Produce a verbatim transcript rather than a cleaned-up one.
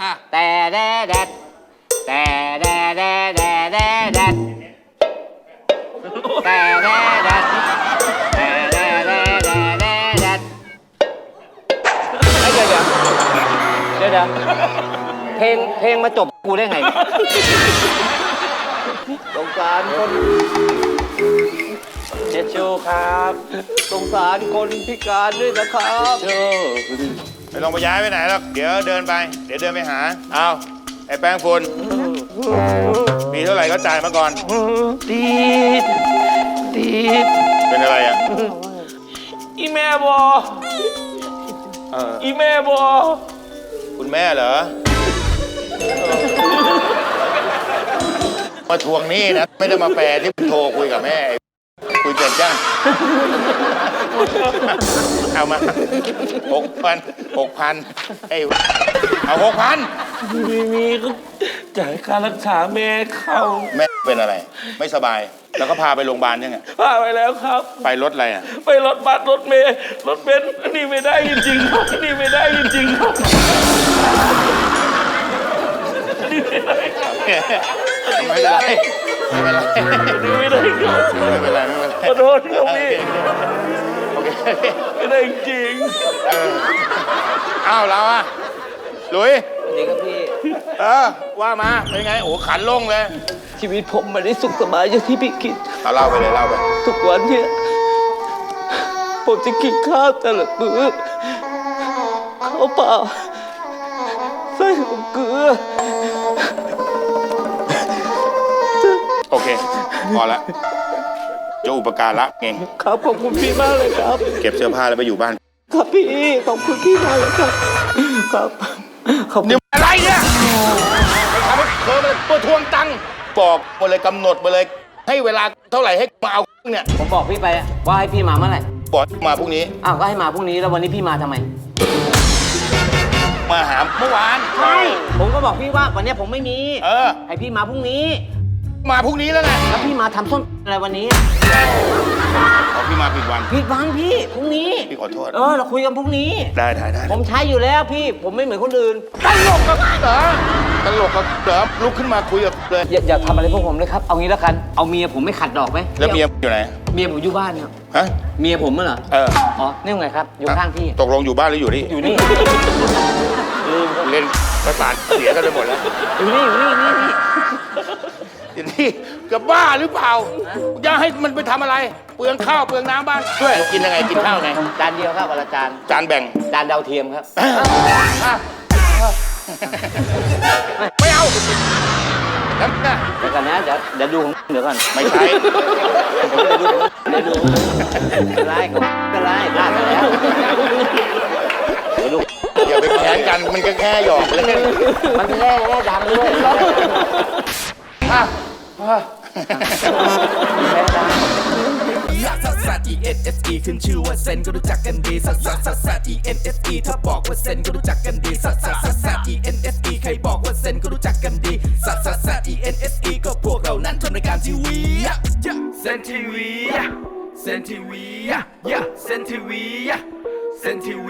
แต่แดดแดดแต่แดดแดดแดดแดดแดดแต่แดดแดดแต่แดดแดดแดดแดดแดดเดี๋ยวเดี๋ยวเดี๋ยวเดี๋ยวเพลงเพลงมาจบกูได้ไงสงสารคนเจชูครับสงสารคนพิการด้วยนะครับเจไม่ต้องไปย้ายไปไหนหรอกเดี๋ยวเดินไปเดี๋ยวเดินไปหาเอาไอ้แป้งฝุ่นมีเท่าไหร่ก็จ่ายมาก่อนตีดตีดเป็นอะไรอ่ะอีแม่บออีแม่บอคุณแม่เหรอมาทวงหนี้นะไม่ได้มาแปลที่โทรคุยกับแม่คุยเกินจ้างเอามาหกพันหกพันไอ้เอาหกพันมีมีก็จ่ายค่ารักษาแม่เขาแม่เป็นอะไรไม่สบายแล้วก็พาไปโรงพยาบาลยังไงพาไปแล้วครับไปรถอะไรอ่ะไปรถบัสรถเมล์รถเบนซ์นี่ไม่ได้จริงๆครับนี่ไม่ได้จริงๆครับนี่ไม่ได้ครับไม่เป็นไรไม่เป็นไรนี่ไม่ได้ครับไม่เป็นไรไม่เป็นไรขอโทษครับพี่ไม่ได้จริงอ้าวเราอ่ะหลุยดีครับพี่เออว่ามาเป็นไงโอ้ขันลงเลยชีวิตผมไม่ได้สุขสบายอย่างที่พี่คิดเอาเล่าไปเลยเล่าไปทุกวันเนี่ยผมจะกินข้าวแต่ละมื้อข้าวเปล่าใส่กับเกลือโอเคพอละจะอุปการะเองครับขอบคุณพี่มากเลยครับเก็บเสื้อผ้าแล้วไปอยู่บ้านครับพี่ขอบคุณพี่มากเลยครับครับขอบคุณอะไรเนี่ยทำให้เธอมาตัวทวงตังค์บอกมาเลยกำหนดมาเลยให้เวลาเท่าไหร่ให้มาเอาเนี่ยผมบอกพี่ไปว่าให้พี่มาเมื่อไหร่บอกมาพรุ่งนี้อ้าวก็ให้มาพรุ่งนี้แล้ววันนี้พี่มาทำไมมาหาเมื่อวานใช่ผมก็บอกพี่ว่าวันนี้ผมไม่มีเออให้พี่มาพรุ่งนี้มาพรุ่งนี้แล้วไงแล้วพี่มาทำส้นอะไรวันนี้อ๋อพี่มาผิดวันผิดวันพี่พรุ่งนี้พี่ขอโทษเออเราคุยกันพรุ่งนี้ได้ได้ได้ผมใช้อยู่แล้วพี่ผมไม่เหมือนคนอื่นตลกกับเหรอตลกกับเหรอลุกขึ้นมาคุยกับเลยอย่าอย่าทำอะไรพวกผมเลยครับเอางี้แล้วกันเอาเมียผมไม่ขัดดอกไหมแล้วเมียอยู่ไหนเมียผมอยู่บ้านครับฮะเมียผมเหรอเอออ๋อนี่ไงครับอยู่ข้างพี่ตกลงอยู่บ้านหรืออยู่นี่อยู่นี่เล่นประสาทเสียกันไปหมดแล้วอยู่นี่อยู่นี่นี่นี่อย่างนี้จะบ้าหรือเปล่าอย่าให้มันไปทำอะไรเปลืองข้าวเปลืองน้ำบ้านช่วยกินยังไงกินข้าวไงจานเดียวครับวันละจานจานแบ่งจานดาวเทียมครับไม่เอาแล้วนะเดี๋ยวก่อนนะเดี๋ยวเดี๋ยวดูเดี๋ยวก่อนไม่ใช่เดี๋ยวดูเดี๋ยวดูไล่ก็ไล่พลาดไปแล้วเดี๋ยวดูอย่าไปแข่งกันมันก็แค่หยอกเล่นมันแค่แค่ดังด้วยซัสซัส E N S E ขึ้นชื่อว่าเซนก็รู้จักกันดีซัสซัสซัสซัส E N S E ถ้าบอกว่าเซนก็รู้จักกันดีซัสซัสซัสซัส E N S E ใครบอกว่าเซนก็รู้จักกันดีซัสซัสซัส E N S E ก็พวกเรานั้นทำรายการทีวีเซนทีวีเซนทีวีเซนทีวีเซนทีวี